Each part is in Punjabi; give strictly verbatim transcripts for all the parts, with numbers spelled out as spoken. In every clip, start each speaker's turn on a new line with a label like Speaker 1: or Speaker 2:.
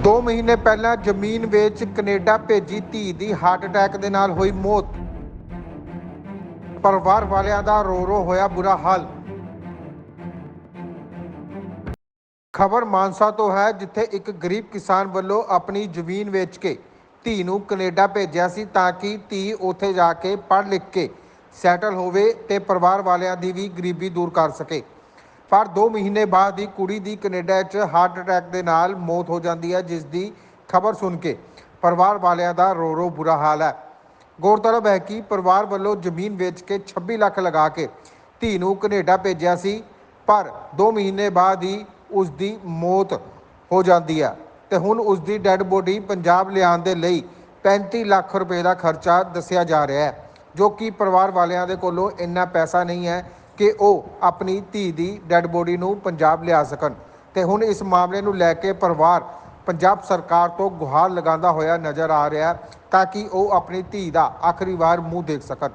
Speaker 1: दो महीने पहला जमीन ਵੇਚ कनेडा भेजी धी ਦੀ हार्ट अटैक ਦੇ ਨਾਲ ਹੋਈ ਮੌਤ। ਪਰਿਵਾਰ ਵਾਲਿਆਂ ਦਾ ਰੋ ਰੋ ਹੋਇਆ ਬੁਰਾ ਹਾਲ। ਖਬਰ ਮਾਨਸਾ ਤੋਂ ਹੈ, ਜਿੱਥੇ ਇੱਕ ਗਰੀਬ ਕਿਸਾਨ ਵੱਲੋਂ ਆਪਣੀ ਜ਼ਮੀਨ ਵੇਚ ਕੇ ਧੀ ਨੂੰ ਕੈਨੇਡਾ ਭੇਜਿਆ ਸੀ ਤਾਂ ਕਿ ਧੀ ਉੱਥੇ ਜਾ ਕੇ ਪੜ੍ਹ ਲਿਖ ਕੇ ਸੈਟਲ ਹੋਵੇ ਤੇ ਪਰਿਵਾਰ ਵਾਲਿਆਂ ਦੀ ਵੀ ਗਰੀਬੀ ਦੂਰ ਕਰ ਸਕੇ। पर दो महीने बाद ही कुड़ी दी कनेडा च हार्ट अटैक के नाल मौत हो जाती है, जिस दी खबर सुन के परिवार वालियां दा रो रो बुरा हाल है। गौरतलब है कि परिवार वालों जमीन बेच के छब्बी लाख लगा के धी नूं कनेडा भेजिया सी, पर दो महीने बाद ही उसकी मौत हो जाती है ते हुण उसकी डैड बॉडी पंजाब लियाउण दे लई पैंती लाख रुपए का खर्चा दस्सिया जा रहा है, जो कि परिवार वालियां दे कोलों इन्ना पैसा नहीं है कि ਉਹ ਆਪਣੀ ਧੀ ਦੀ ਡੈਡ ਬੋਡੀ ਨੂੰ ਪੰਜਾਬ ਲਿਆ ਸਕਣ। ਤੇ ਹੁਣ ਇਸ ਮਾਮਲੇ ਨੂੰ ਲੈ ਕੇ ਪਰਿਵਾਰ ਪੰਜਾਬ ਸਰਕਾਰ ਤੋਂ ਗੁਹਾਰ ਲਗਾਉਂਦਾ ਹੋਇਆ ਨਜ਼ਰ ਆ ਰਿਹਾ ਤਾਂ ਕਿ ਉਹ ਆਪਣੀ ਧੀ ਦਾ ਆਖਰੀ ਵਾਰ ਮੂੰਹ ਦੇਖ ਸਕਣ।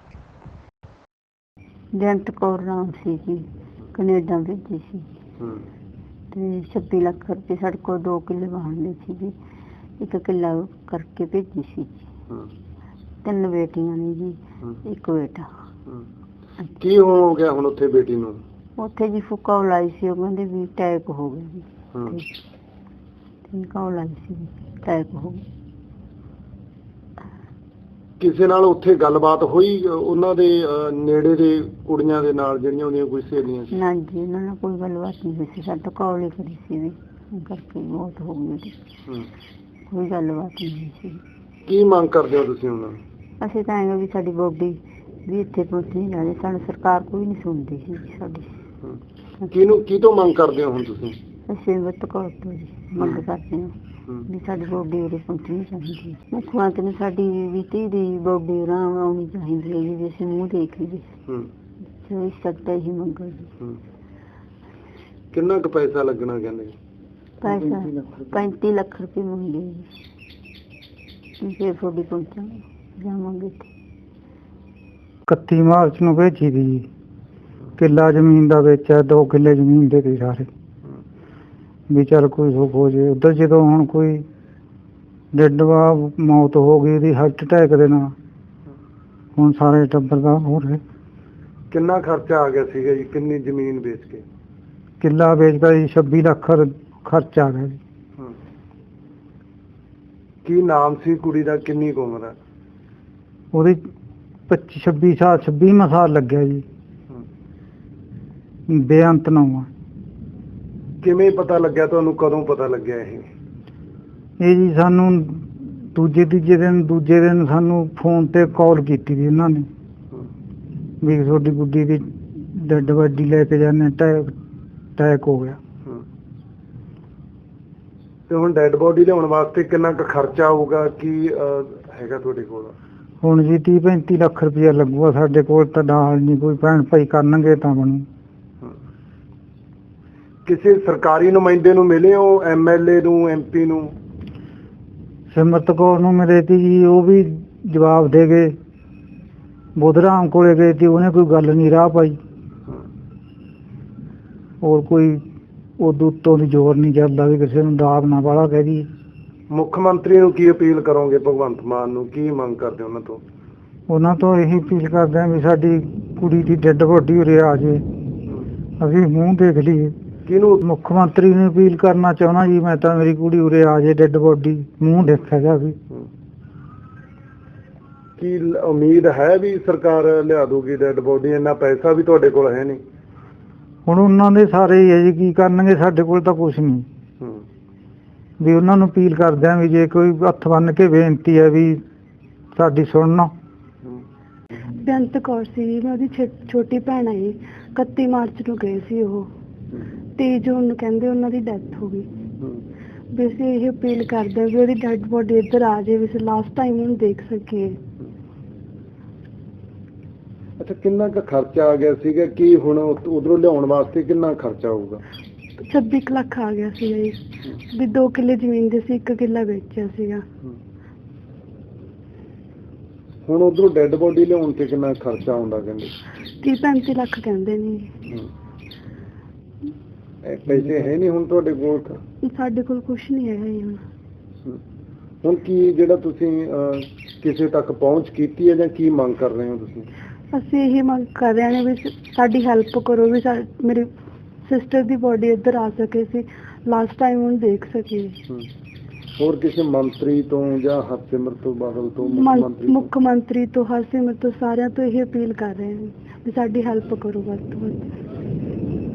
Speaker 2: ਜੰਟ ਕੌਰ ਨਾਮ ਸੀ ਜੀ, ਕੈਨੇਡਾ ਭੇਜੀ ਸੀ ਤੇ ਛੱਬੀ ਲੱਖ ਰੁਪਏ ਸਾਡੇ ਕੋਲ ਦੋ ਕਿੱਲੇ ਵਾਹਣ ਸੀ ਜੀ, ਇੱਕ ਕਿੱਲਾ ਕਰਕੇ ਭੇਜੀ ਸੀ ਜੀ। ਤਿੰਨ ਬੇਟੀਆਂ ਨੇ ਜੀ, ਇੱਕ ਬੇਟਾ।
Speaker 3: ਕੀ ਹੋ ਗਿਆ ਹੁਣ ਉੱਥੇ ਬੇਟੀ ਨੂੰ?
Speaker 2: ਉੱਥੇ ਜੀ ਫੁੱਕਾ ਲਾਈ ਸੀ, ਉਹ ਕਹਿੰਦੇ ਵੀ ਅਟੈਕ ਹੋ ਗਿਆ ਜੀ। ਫੁੱਕਾ ਲਾਈ ਸੀ, ਅਟੈਕ ਹੋ ਗਿਆ।
Speaker 3: ਕਿਸੇ ਨਾਲ ਉੱਥੇ ਗੱਲਬਾਤ ਹੋਈ ਉਹਨਾਂ ਦੇ ਨੇੜੇ ਦੇ ਕੁੜੀਆਂ ਦੇ ਨਾਲ ਜਿਹੜੀਆਂ ਉਹਦੀਆਂ ਕੋਈ ਸਹੇਲੀਆਂ ਸੀ?
Speaker 2: ਨਾ ਜੀ, ਉਹਨਾਂ ਨਾਲ ਕੋਈ ਗੱਲਬਾਤ ਨਹੀਂ ਹੋਈ ਸੀ। ਸਾਡਾ ਕਾਲ ਹੀ ਕਰੀ ਸੀ ਵੀ ਕਰਕੇ ਮੌਤ ਹੋ ਗਈ ਉਹਦੀ। ਕੋਈ ਗੱਲਬਾਤ ਨਹੀਂ ਹੋਈ ਸੀ। ਕੀ
Speaker 3: ਮੰਗ ਕਰਦੇ ਹੋ ਤੁਸੀਂ ਉਹਨਾਂ ਨੂੰ?
Speaker 2: ਅਸੀਂ ਤਾਂ ਐਂ ਵੀ ਸਾਡੀ ਬੋਡੀ ਵੀ ਇੱਥੇ ਪਹੁੰਚਣੀ ਜਾਵੇ, ਸਾਨੂੰ ਸਰਕਾਰ ਕੋਈ ਨਹੀਂ ਸੁਣਦੀ ਸੀ ਸਾਡੀ।
Speaker 3: ਕਿਹਨੂੰ ਕੀ ਤੋਂ ਮੰਗ ਕਰਦੇ ਹੋ ਹੁਣ ਤੁਸੀਂ?
Speaker 2: ਅਸੀਂ ਵੱਤ ਕੌਰ ਤੋਂ ਜੀ ਮੰਗ ਕਰਦੇ ਹਾਂ ਵੀ ਸਾਡੀ ਬੋਡੀ ਉਰੇ ਪਹੁੰਚਣੀ ਚਾਹੀਦੀ। ਮੁੱਖ ਮੰਤਰੀ ਨੇ ਸਾਡੀ ਵੀ ਧੀ ਦੀ ਬੋਡੀ ਆਰਾਮ ਆਉਣੀ ਚਾਹੀਦੀ ਹੈ ਜੀ, ਅਸੀਂ ਮੂੰਹ ਦੇਖ ਲਈਏ। ਜੋ ਇਸ ਸਕਦਾ ਹੀ ਮੰਗੋ ਜੀ।
Speaker 3: ਕਿੰਨਾ ਕੁ ਪੈਸਾ ਲੱਗਣਾ ਕਹਿੰਦੇ?
Speaker 2: ਪੈਸਾ ਪੈਂਤੀ ਲੱਖ ਰੁਪਏ ਮੰਗੇ ਜੀ। ਫਿਰ ਤੁਹਾਡੀ ਪਹੁੰਚਾਂਗੇ, ਜਾਵਾਂਗੇ।
Speaker 4: ਇਕੱਤੀ ਮਾਰਚ ਨੂੰ ਭੇਜੀ ਦੀ ਜੀ। ਕਿੱਲਾ ਜ਼ਮੀਨ ਦਾ ਵੇਚਿਆ, ਦੋ ਕਿੱਲੇ ਜ਼ਮੀਨ ਦੇ ਤੇ ਸਾਰੇ ਵੀ ਚੱਲ ਕੋਈ ਸੁੱਖ ਹੋ ਜੇ। ਉੱਧਰ ਜਦੋਂ ਹੁਣ ਕੋਈ ਡੱਡਵਾ ਮੌਤ ਹੋ ਗਈ ਉਹਦੀ ਹਾਰਟ ਅਟੈਕ ਦੇ ਨਾਲ, ਹੁਣ ਸਾਰੇ ਟੱਬਰ ਦਾ ਹੋ ਰਿਹਾ।
Speaker 3: ਕਿੰਨਾ ਖਰਚਾ ਆ ਗਿਆ ਸੀਗਾ ਜੀ ਕਿੰਨੀ ਜ਼ਮੀਨ ਵੇਚ ਕੇ?
Speaker 4: ਕਿੱਲਾ ਵੇਚਦਾ ਜੀ ਛੱਬੀ ਲੱਖ ਖਰਚਾ ਆ ਗਿਆ ਜੀ।
Speaker 3: ਕੀ ਨਾਮ ਸੀ ਕੁੜੀ ਦਾ, ਕਿੰਨੀ ਕੁ ਉਮਰ ਹੈ
Speaker 4: ਉਹਦੀ? ਪੱਚੀ ਛੱਬੀ ਸਾਲ ਛੱਬੀਵਾਂ ਸਾਲ ਲੱਗਿਆ ਜੀ। ਬੇਅੰਤ ਨਾਮ।
Speaker 3: ਕਿਵੇਂ ਪਤਾ ਲੱਗਿਆ ਤੁਹਾਨੂੰ, ਕਦੋਂ ਪਤਾ ਲੱਗਿਆ ਇਹ?
Speaker 4: ਇਹ ਜੀ ਸਾਨੂੰ ਦੂਜੇ ਤੀਜੇ ਦਿਨ ਦੂਜੇ ਦਿਨ ਸਾਨੂੰ ਫੋਨ ਤੇ ਕਾਲ ਕੀਤੀ ਸੀ ਉਹਨਾਂ ਨੇ ਵੀ ਤੁਹਾਡੀ ਗੁੱਡੀ ਦੀ ਡੈਡ ਬੋਡੀ ਲੈ ਕੇ ਜਾਂਦੇ, ਅਟੈਕ ਅਟੈਕ ਹੋ ਗਿਆ।
Speaker 3: ਤੇ ਹੁਣ ਡੈਡ ਬੋਡੀ ਲਿਆਉਣ ਵਾਸਤੇ ਕਿੰਨਾ ਕੁ ਖਰਚਾ ਆਊਗਾ, ਕੀ ਹੈਗਾ ਤੁਹਾਡੇ ਕੋਲ?
Speaker 4: ਹੁਣ ਜੀ ਤੀਹ ਪੈਂਤੀ ਲੱਖ ਰੁਪਇਆ ਲੱਗੂਗਾ ਸਾਡੇ ਕੋਲ, ਤਾਂ ਨਾਲ ਨਹੀਂ ਕੋਈ ਭੈਣ ਭਾਈ ਕਰਨਗੇ ਤਾਂ ਬਣੂ।
Speaker 3: ਕਿਸੇ ਸਰਕਾਰੀ ਨੁਮਾਇੰਦੇ ਨੂੰ ਮਿਲੇ ਹੋ, ਐਮ ਐਲ ਏ ਨੂੰ, ਐਮ ਪੀ ਨੂੰ?
Speaker 4: ਸਿਮਰਤ ਕੌਰ ਨੂੰ ਮਿਲੇ ਤੀ ਜੀ, ਉਹ ਵੀ ਜਵਾਬ ਦੇ ਗਏ। ਬੁੱਧਰਾਮ ਕੋਲੇ ਗਏ ਤੀ, ਉਹਨੇ ਕੋਈ ਗੱਲ ਨਹੀਂ ਰਾਹ ਪਾਈ। ਹੋਰ ਕੋਈ ਉਦੋਂ ਉੱਤੋਂ ਦੀ ਜ਼ੋਰ ਨਹੀਂ ਚੱਲਦਾ ਵੀ ਕਿਸੇ ਨੂੰ ਦਾਬ ਨਾ ਵਾਲਾ ਕਹਿ ਦਈਏ।
Speaker 3: ਮੁੱਖ ਮੰਤਰੀ ਨੂੰ ਕੀ ਅਪੀਲ ਕਰੋਗੇ, ਭਗਵੰਤ ਮਾਨ ਨੂੰ ਕੀ ਮੰਗ ਕਰਦੇ ਉਹਨਾਂ ਤੋਂ?
Speaker 4: ਉਹਨਾਂ ਤੋਂ ਇਹੀ ਅਪੀਲ ਕਰਦੇ ਹਾਂ ਵੀ ਸਾਡੀ ਕੁੜੀ ਦੀ ਡੈਡ ਬੋਡੀ ਉਰੇ ਆ ਜੇ, ਅਸੀਂ ਮੂੰਹ ਦੇਖ ਲਈਏ।
Speaker 3: ਕਿਹਨੂੰ?
Speaker 4: ਮੁੱਖ ਮੰਤਰੀ ਨੂੰ ਅਪੀਲ ਕਰਨਾ ਚਾਹੁੰਦਾ ਜੀ ਮੈਂ ਤਾਂ, ਮੇਰੀ ਕੁੜੀ ਉਰੇ ਆ ਜੇ, ਡੈਡ ਬੋਡੀ ਮੂੰਹ ਦੇਖਿਆ ਜਾਵੇ।
Speaker 3: ਕੀ ਉਮੀਦ ਹੈ ਵੀ ਸਰਕਾਰ ਲਿਆ ਦੂਗੀ ਡੈਡ ਬੋਡੀ? ਇੰਨਾ ਪੈਸਾ ਵੀ ਤੁਹਾਡੇ ਕੋਲ ਹੈ ਨਹੀਂ।
Speaker 4: ਹੁਣ ਉਹਨਾਂ ਦੇ ਸਾਰੇ ਹੀ ਹੈ ਜੀ, ਕੀ ਕਰਨਗੇ, ਸਾਡੇ ਕੋਲ ਤਾਂ ਕੁਛ ਨਹੀਂ। ਵੀ ਉਹਨਾਂ ਨੂੰ ਅਪੀਲ ਕਰਦੇ ਆ ਵੀ ਜੇ ਕੋਈ ਹੱਥ ਬੰਨ ਕੇ ਬੇਨਤੀ ਹੈ ਵੀ ਸਾਡੀ ਸੁਣਨਾ।
Speaker 5: ਬੇਅੰਤ ਕੌਰ ਸੀ, ਮੈਂ ਉਹਦੀ ਛੋਟੀ ਭੈਣ ਆਈ। ਇਕੱਤੀ ਮਾਰਚ ਨੂੰ ਗਏ ਸੀ ਉਹ, ਤੇਈ ਜੂਨ ਨੂੰ ਕਹਿੰਦੇ ਉਹਨਾਂ ਦੀ ਡੈਥ ਹੋ ਗਈ। ਵੀ ਅਸੀਂ ਇਹ ਅਪੀਲ ਕਰਦੇ ਵੀ ਉਹਦੀ ਡੈਡ ਬੋਡੀ ਇੱਧਰ ਆ ਜਾਏ, ਵੀ ਅਸੀਂ ਲਾਸਟ ਟਾਈਮ ਉਹਨੂੰ ਦੇਖ ਸਕੀਏ।
Speaker 3: ਅੱਛਾ, ਕਿੰਨਾ ਕੁ ਖਰਚਾ ਆ ਗਿਆ ਸੀਗਾ? ਕੀ ਹੁਣ ਉਧਰੋਂ ਲਿਆਉਣ ਵਾਸਤੇ ਕਿੰਨਾ ਖਰਚਾ ਆਊਗਾ?
Speaker 5: ਛੱਬੀ ਕੁ ਲੱਖ ਆ ਗਿਆ ਸੀ ਜੀ, ਵੀ ਦੋ ਕਿੱਲੇ ਜ਼ਮੀਨ ਦੇ ਸੀ, ਇੱਕ ਕਿੱਲਾ ਵੇਚਿਆ ਸੀਗਾ।
Speaker 3: ਹੁਣ ਉਧਰੋਂ ਡੈਡ ਬੋਡੀ ਲਿਆਉਣ ਤੇ ਕਿੰਨਾ ਖਰਚਾ ਆਉਂਦਾ ਕਹਿੰਦੇ?
Speaker 5: ਤੀਹ ਪੈਂਤੀ ਲੱਖ ਕਹਿੰਦੇ ਨੇ।
Speaker 3: ਇਹ ਪੈਸੇ ਹੈ ਨਹੀਂ ਹੁਣ ਤੁਹਾਡੇ ਕੋਲ ਤਾਂ?
Speaker 5: ਸਾਡੇ ਕੋਲ ਕੁਝ ਨਹੀਂ ਹੈਗਾ ਜੀ ਹੁਣ।
Speaker 3: ਹਮ। ਹੁਣ ਕੀ ਜਿਹੜਾ ਤੁਸੀਂ ਅਹ, ਕਿਸੇ ਤੱਕ ਪਹੁੰਚ ਕੀਤੀ ਹੈ ਜਾਂ ਕੀ ਮੰਗ ਕਰ ਰਹੇ ਹੋ ਤੁਸੀਂ?
Speaker 5: ਅਸੀਂ ਇਹ ਮੰਗ ਕਰ ਰਹੇ ਹਾਂ ਵੀ ਸਾਡੀ ਹੈਲਪ ਕਰੋ ਵੀ ਸਾ- ਮੇਰੀ ਸਿਸਟਰ ਦੀ ਬੋਡੀ ਇੱਧਰ ਆ ਸਕੇ, ਸੀ ਲਾਸਟ ਟਾਈਮ ਉਹਨੂੰ ਦੇਖ ਸਕੇ।
Speaker 3: ਹਮ। ਹੋਰ ਕਿਸੇ ਮੰਤਰੀ ਤੋਂ ਜਾਂ ਹਰਸਿਮਰਤ ਤੋਂ ਬਾਦਲ ਤੋਂ ਮੁੱਖ
Speaker 5: ਮੰ-
Speaker 3: ਮੰਤਰੀ ਤੋਂ?
Speaker 5: ਮੁੱਖ ਮੰਤਰੀ ਤੋਂ, ਹਰਸਿਮਰਤ ਤੋਂ, ਸਾਰਿਆਂ ਤੋਂ ਇਹ ਅਪੀਲ ਕਰ ਰਹੇ ਹਾਂ ਵੀ ਸਾਡੀ ਹੈਲਪ ਕਰੋ ਵੱਧ ਤੋਂ ਵੱਧ।